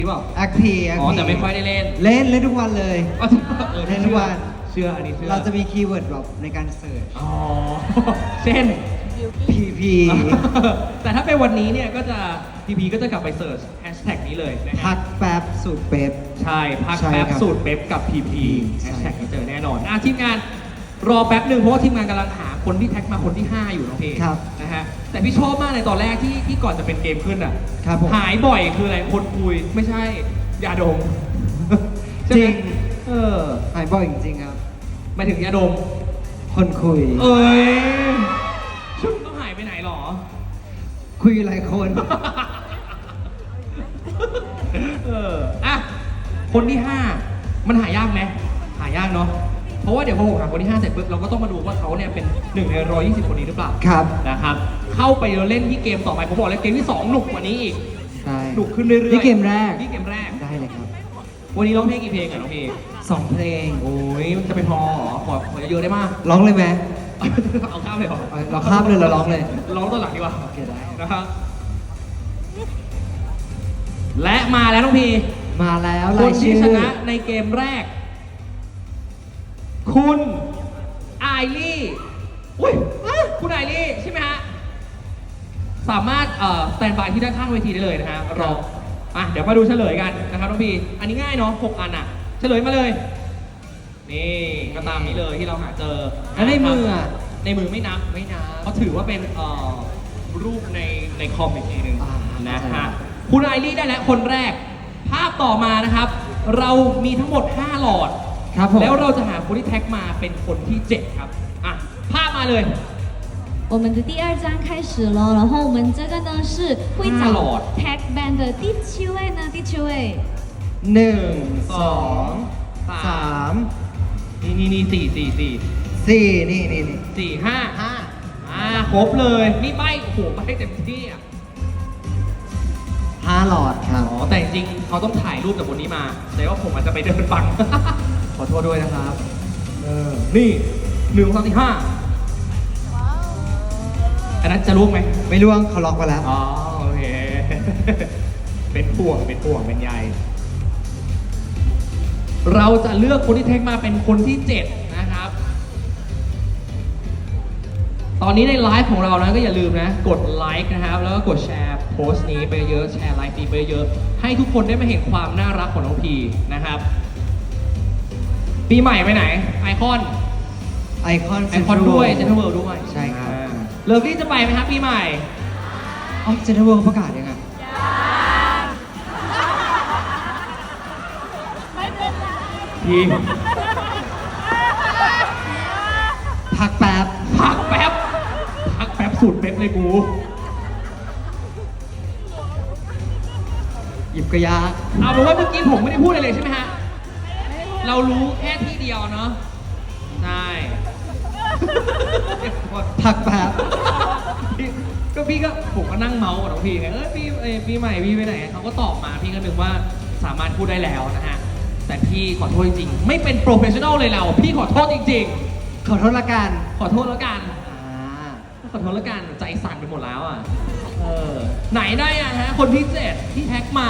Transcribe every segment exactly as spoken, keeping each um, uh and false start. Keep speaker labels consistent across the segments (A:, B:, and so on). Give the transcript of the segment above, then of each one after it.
A: ที่บอก
B: แอคทีแอค
A: อ๋อ
B: ที
A: แต่ไม่ค่อยได้เล่น
B: เล่นเล่นทุกวันเลย
A: อ๋อออ
B: เล่นทุกวัน
A: เชื่ออันนี้เชื่อ
B: เราจะมีคีย์เวิร์ดแบบในการเสิร์ช
A: อ๋อเช่น
B: พี พี
A: แต่ถ้าเป็นวันนี้เนี่ยก็จะพีพีก็จะกลับไปเสิร์ชแฮชแท็กนี้เลยนะฮะ
B: พักแป๊บสูตรเป๊ป
A: ใช่พัก
B: ใช่
A: แป๊บ
B: ครับ
A: สูตรเป๊ปกับพีพีแฮ
B: ใช่
A: ชแท็กนี้เจอแน่นอนอ่ะทีมงานรอแป๊บหนึ่งเพราะว่าทีมงานกำลังหาคนที่แท็กมาคนที่ห้าอยู่น้องเพ
B: ครับ
A: นะฮะแต่พี่ชอบมากในตอนแรกที่ที่ก่อนจะเป็นเกมขึ้นอ่ะ
B: ครับผม
A: หายบ่อยคืออะไรคนคุยไม่ใช่ยาดม
B: จริง
A: ใช่ไหมเออ
B: หายบ่อยจริงๆครับ
A: หมายถึงยาดม
B: คนคุย
A: เอ้ยชุดต้องหายไปไหนหรอ
B: คุยหลายคน
A: เอออ่ะคนที่ห้ามันหายากไหมหายากเนาะเพราะว่าเดี๋ยวพอผมหาคนที่ห้าเสร็จปุ๊บเราก็ต้องมาดูว่าเขาเนี่ยเป็นหนึ่งในร้อยยี่สิบคนนี้หรือเปล่า
B: ครับ
A: นะครับเข้าไปเล่นที่เกมต่อไปผมบอกเลยเกมที่สองหนุกกว่านี้อีก
B: ใช่
A: หนุกขึ้นเรื่อยๆ
B: นี่เกมแรก
A: นี่เกมแรก
B: ได้เลยครับ
A: วันนี้ร้องเพลงกี่เพลงอ่ะน้องเพลง
B: สองเพลง
A: โอ้ยมันจะไปพอเหรอขอขอเยอะๆได้มาก
B: ร้องเลยไหม
A: เอาข้ามเลยเหรอ
B: เอาเราข้ามเลยเราร้องเลย
A: ร้องตอนหลังดีกว่า
B: โอเคได้
A: นะครับและมาแล้วน้องพี
B: มาแล้ว
A: ค
B: ราน ย
A: ที่
B: ชื่อ
A: ชนะในเกมแรก คุณไอรี่อุ้ยอ่ะคุณไอรี่ใช่ไหมฮะ สามารถเอ่อสแตนบายที่ด้านข้างเวทีได้เลยนะฮะรออ่ะเดี๋ยวมาดูเฉลยกันนะครับน้องพีอันนี้ง่ายเนาะหกอันอ่ะ เฉลยมาเลย นี่ก็ตามนี้เลยที่เราหาเจอ
B: แล้วในมืออ่ะ
A: ในมือไม่นับ
B: ไม่นะ
A: เขาถือว่าเป็นเอ่อรูปในในคอมอีกทีหนึ่ง
B: อ่า
A: นะ
B: ใช่
A: ฮะคุณไอรี่ได้แล้วคนแรก ภาพต่อมานะครับ เรามีทั้งหมดห้าหลอด
B: ครับผม
A: แล้วเราจะหาคนที่แท็กมาเป็นคนที่เจ็ดครับอ่ะภาพมาเลย
C: 我们的第二章开始了，然后我们这个呢是会
A: 啊
C: 找
A: 老
C: tag band 的第七位呢，第七位，
B: หนึ่ง
A: ส
B: ส
A: อ
B: อง ง
A: สาม
B: สาม
A: นี่นี่นี่สี่สี่สี่
B: สี่นี่นี่นี่
A: สี่ห้า
B: ห้า
A: อ่าครบเลยนี่ใบโอ้โหใบเต็มที่อ่ะ
B: ห้าหลอดครับ
A: อ๋อแต่จริงๆเขาต้องถ่ายรูปจากบนนี้มาแต่ว่าผมอาจจะไปเดินฟัง ขอโทษด้วยนะครับเออนี่หนึ่งสองสี่ห้าอันนั้นจะรู้ไหม
B: ไม่ร่วงเขาล็อกไปแล้ว
A: อ๋อโอเค เป็นห่วงเป็นห่วงเป็นใยเราจะเลือกคนที่เทคมาเป็นคนที่เจ็ดนะครับ ตอนนี้ในไลฟ์ของเรานะก็อย่าลืมนะ กดไลค์นะครับ แล้วก็กดแชร์โพสต์นี้ไปเยอะแชร์ไลฟ์นี้ไปเยอะให้ทุกคนได้มาเห็นความน่ารักของน้องพีนะครับ ปีใหม่ไปไหน ไอคอน
B: ไอคอน
A: ไอคอนด้วยเซนทรัลเวิลด์ด้วย
B: ใช่ครับ
A: อ่าเลิฟลี่จะไปไหมครับปีใหม่
B: อ๋อเซนทรัลเวิลด์ประกาศยังไง
A: พี
B: พักแป๊บ
A: พักแป๊บ พักแป๊บสุดเป๊ปเลยกู
B: หยิบกระยาก
A: เอาเป็นว่าเมื่อกี้ผมไม่ได้พูดอะไรเลยใช่ไหมฮะ เรารู้แค่ที่เดียวเนาะ ใช่
B: พักแป๊บ
A: พี่ก็พี่ก็ผมก็นั่งเมาส์กับน้องพี่ไง เออพี่เอ้ยปีใหม่พี่ไปไหนเขาก็ตอบมาพี่ก็นึกว่าสามารถพูดได้แล้วนะฮะ แต่พี่ขอโทษจริงๆ ไม่เป็นโปรเฟชชั่นอลเลยเรา พี่ขอโทษจริง
B: ขอโทษละกัน
A: ๆ ขอโทษแล้วกัน
B: อ่า
A: ขอโทษแล้วกันใจสั่นไปหมดแล้วอ่ะ เออ ไหนได้อะฮะ คนที่เจ็ดที่แท็กมา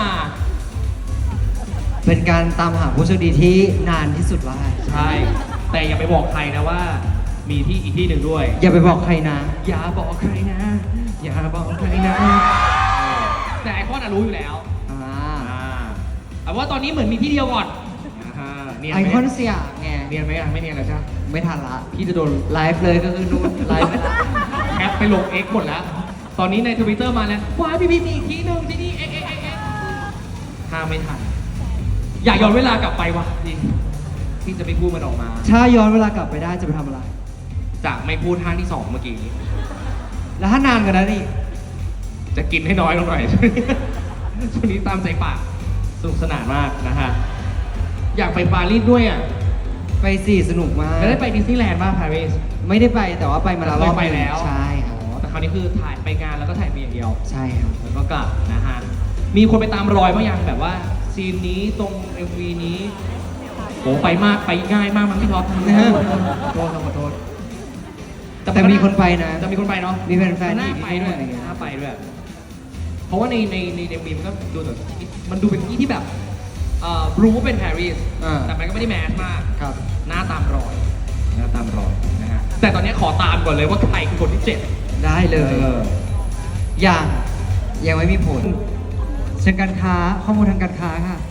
B: เป็นการตามหาผู้โชคดีที่นานที่สุดว่า
A: ใช่ แต่อย่าไปบอกใครนะว่า มีที่อีกที่หนึ่งด้วย
B: อย่าไปบอกใครนะ
A: อย่าบอกใครนะ อย่าบอกใครนะแต่ไอคอนอะรู้อยู่แล้ว
B: อ่า
A: อ่าแต่ว่าตอนนี้เหมือนมีที่เดียวก่อนอ่าเนียน
B: ไอ
A: ไหม
B: คอนสยามไง
A: เนียนไหมอ่ะไม่เนียนเลยใช่ไหม
B: ไม่ทันละ
A: พี่จะโดน
B: ไลฟ์เลยก็คือนู่นไลฟ์ไปละ
A: แคปไปลง X หมดแล้ว ตอนนี้ในทวิตเตอร์มาแล้วว้ายพี่พี่มีอีกที่หนึ่งที่นี่เอ๊ะเอ๊ะเอ๊ะเอ๊ะห้ามไม่ทัน อยากย้อนเวลากลับไปว่ะพี่พี่จะไม่พูดมันออกมา
B: ถ้าย้อนเวลากลับไปได้จะไปทำอะไร
A: จะไม่พูดห้างที่สองเมื่อกี้
B: แล้วถ้านานกว่านั้นอีก
A: จะกินให้น้อยลงหน่อย ช่วงนี้ตามใจปากสนุกสนานมากนะฮะ อยากไปปารีสด้วยอ่ะ
B: ไปสี่สนุกมาก
A: แล้วได้ไปดิสนีย์แลนด์ป่ะปารีส
B: ไม่ได้ไปแต่ว่าไปมาแล้วรอบ
A: ไปแล้ว
B: ใช่ค
A: อ๋
B: รับ
A: อแต่คราวนี้คือถ่ายไปงานแล้วก็ถ่ายเพียงเดียว
B: ใช่ครับ
A: แล้วก็กลับนะฮะ มีคนไปตามรอยบ้างยังแบบว่าซีนนี้ตรง เอ็ม วี นี้โหไปมากไปง่ายมากมันพี่ท็อปขอโทษขอโทษ
B: แต่มีคนไปนะ
A: จะมีคนไปเนาะ
B: มีแฟนๆ
A: น่า
B: ที่
A: ไป
B: ที่
A: ด้วย
B: อะไรเงี้ย
A: น่าไปด้วยเพราะว่าในในในเดมีมันก็ดูแบบมันดูเป็นที่ที่แบบเอ่อรู้ว่าเป็นปารีส
B: อ่า
A: แต่มันก็ไม่ได้แมสมาก
B: ครับ
A: หน้าตามรอยหน้าตามรอยนะฮะแต่ตอนนี้ขอตามก่อนเลยว่าใครคือคนที่เจ็ด
B: ได้เลย
A: เออ
B: ยังยังไม่มีผลเชิงการค้าข้อมูลทางการค้าค่ะ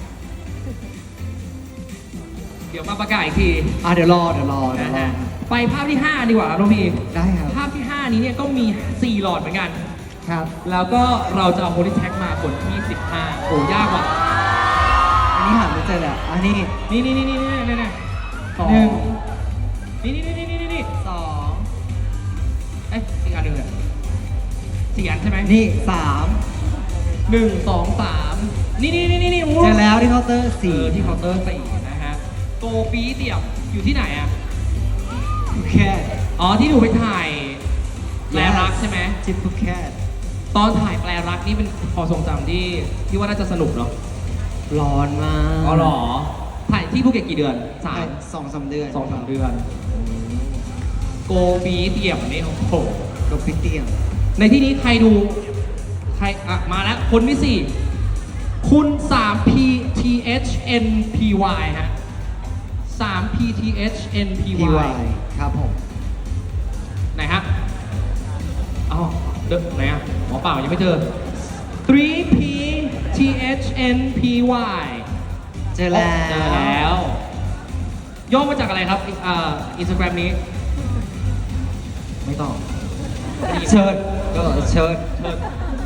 A: เดี๋ยวมาประกาศอีกที
B: อ่ะเดี๋ยวรอเดี๋ยวรอเดี๋ย
A: นะ
B: วรอ
A: ฮะไปภาพที่ห้าดีกว่าครับน้องพี
B: ได้ครับ
A: ภาพที่ห้านี้เนี่ยก็มีสี่หลอดเหมือนกัน
B: ครับ
A: แล้วก็เราจะเอาโฮลิแท็กมาคนที่สิบห้าโอ้ยากว่ะ
B: อันนี้หาไม่เจอแล้วอันนี้
A: นี่นี่นี่นี่นี่นี่นี่สอง
B: หนึ่ง
A: นี่นี่นี่นี่นี่นี่
B: สอง
A: เอ้ยอีกอันหนึ่งอะสี่อันใช่ไหม
B: นี่สาม
A: หนึ่งสองสามนี่นี่นี่นี่นี่โอ้
B: เจอแล้วที่เคาน์เตอร์
A: สี่
B: สี่
A: ที่เคาน์เตอร์สี่นะฮะโกปีเดี่ยวอยู่ที่ไหนอะ
B: ภูเก็ต
A: อ๋อที่หนูไปถ่ายแปลรักใช่ไหม
B: จิตภูเก็ต
A: ตอนถ่ายแปลรักนี่เป็นพอทรงจำที่ที่ว่าน่าจะสนุกเนาะ
B: ร้อนมาก
A: อ๋อเหรอถ่ายที่ภูเก็ตกี่เดือนสาม
B: สองสามเดือน
A: สองสามเดือนโกบีเตี่ยมนี่โอ้โห
B: กับพี่เตียง
A: ในที่นี้ใครดูใครอ่ะมาแล้วคนที่สี่คุณ สาม พี ที เอช เอ็น พี วาย ฮะ สาม พี ที เอช เอ็น พี
B: พี
A: วาว
B: าย ยครับผม
A: ไหนฮะอ๋อเด้อไหนอ่ะหมอเปล่ายังไม่เจอ ทรี พี ที เอช เอ็น พี วาย
B: เจอแล้ว
A: เจอแล้วย่อมาจากอะไรครับอ่าอินสตาแกรมนี้
B: ไม่ต้องเชิญก็เชิญ
A: เชิญ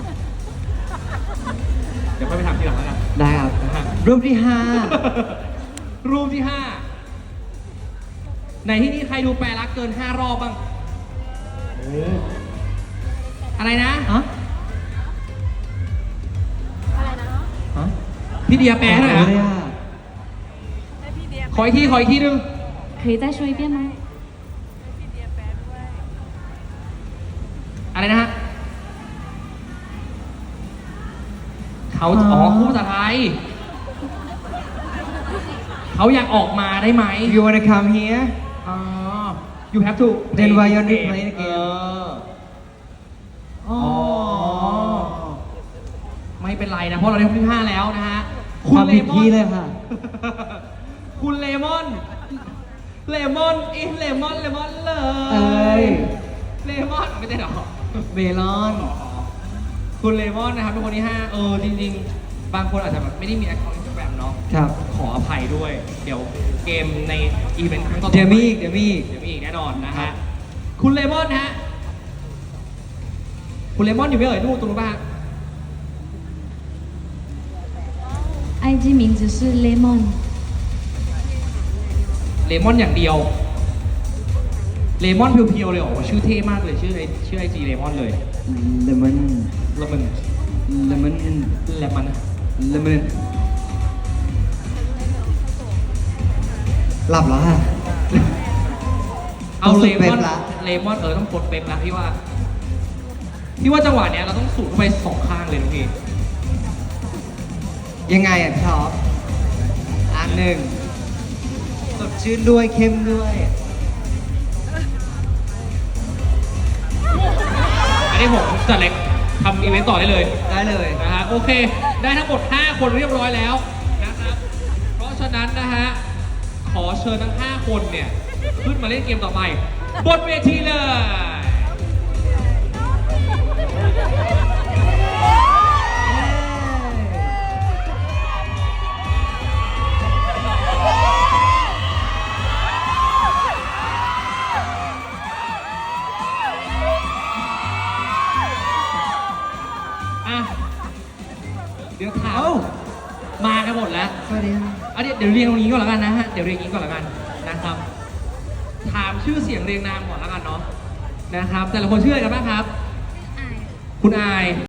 A: เดี๋ยวค่อยไปถามทีหลังแล้วกัน
B: ได้ครับ
A: นะฮะ
B: รูปที่ห้า
A: รูปที่ห้าในที่นี้ใครดูแปลรักเกินห้ารอบบ้างอะไรนะ
B: ฮะ ฮะ
A: พี่เดียแปลให้หน่อย
B: ไม่ได้
A: นะ
B: อะ
A: ขออีกทีขออีกทีหนึง
C: 可以再说一遍吗？
A: อะไรนะฮะเขาอ๋อคู่ภาษาไทย เขาอยากออกมาได้ไหม
B: You wanna come here
A: อ๋อ you have to
B: Then why you
A: play
B: play the game?
A: เออ
B: อ๋อ
A: ไม่เป็นไรนะ เพราะเราได้คนที่ห้าแล้วนะฮะ
B: ความผิดที่เลยค่ะ
A: คุณเลมอน เลมอนอีเลมอนเลมอนเล
B: เอ้
A: ย
B: ย
A: เลมอนไม่ใช่หรอ
B: เมลอน
A: คุณเลมอนนะครับเป็นคนที่ห้าเออจริงๆ บางคนอาจจะแบบไม่ได้มีแอคเคาท์อินสตาแกรมเนาะ
B: ครับ
A: ขออภัยด้วย เดี๋ยวเกมในอีเวนต์ครั้งต่อๆไป
B: เดี๋ยวมีอีกเดี๋ยวมีอีก
A: เดี๋ยวมีอีกแน่นอนนะ
B: ครั
A: ฮะ
B: บ
A: คุณเลมอนฮะ คุณเลมอนอยู่ไม่เอ่ยนู่นตรงนู้นป่ะฮะ
C: I G 名字是 Lemon。
A: เลมอนอย่างเดียว เลมอนเพียวๆเลยเหรอชื่อเท่มากเลยชื่อไอชื่อไอจีเลมอนเลย
B: เลมอน
A: แล้วมัน
B: เลมอน
A: เลมอน
B: เลมอนหลับแล้วค่ะ
A: เอา
B: ต้อง
A: เล
B: ฝึกเป็
A: ม
B: น
A: อน
B: ละ
A: เลมอนเออต้องกดเป็นละพี่ว่าพี่ว่าจังหวะเนี้ยเราต้องสูดเข้าไปสองข้างเลยทุกที
B: ยังไงอ่ะพี่ท็อปอันหนึ่งสดชื่นด้วยเข้มด้วย
A: อันนี้ผมจัดเล็กทำอีเวนต์ต่อได้เลย
B: ได้เลย
A: นะฮะโอเค ได้ทั้งหมดห้าคนเรียบร้อยแล้วนะครับ เพราะฉะนั้นนะฮะขอเชิญทั้งห้าคนเนี่ยขึ้นมาเล่นเกมต่อไปบนเวทีเลย อ่ะ เดี๋ยวถาม
B: เอ้า
A: มากันหมดแล้ว
B: สวัสดีค่ะ
A: เอาเดี๋ยวเดี๋ยวเรียงตรงนี้ก่อนแล้วกันนะฮะ เดี๋ยวเรียงอย่างนี้ก่อนแล้วกันนะครับ ถามชื่อเสียงเรียงนามก่อนแล้วกันเนาะนะครับ แต่ละคนชื่ออะไรกันบ้างครับ คุณอาย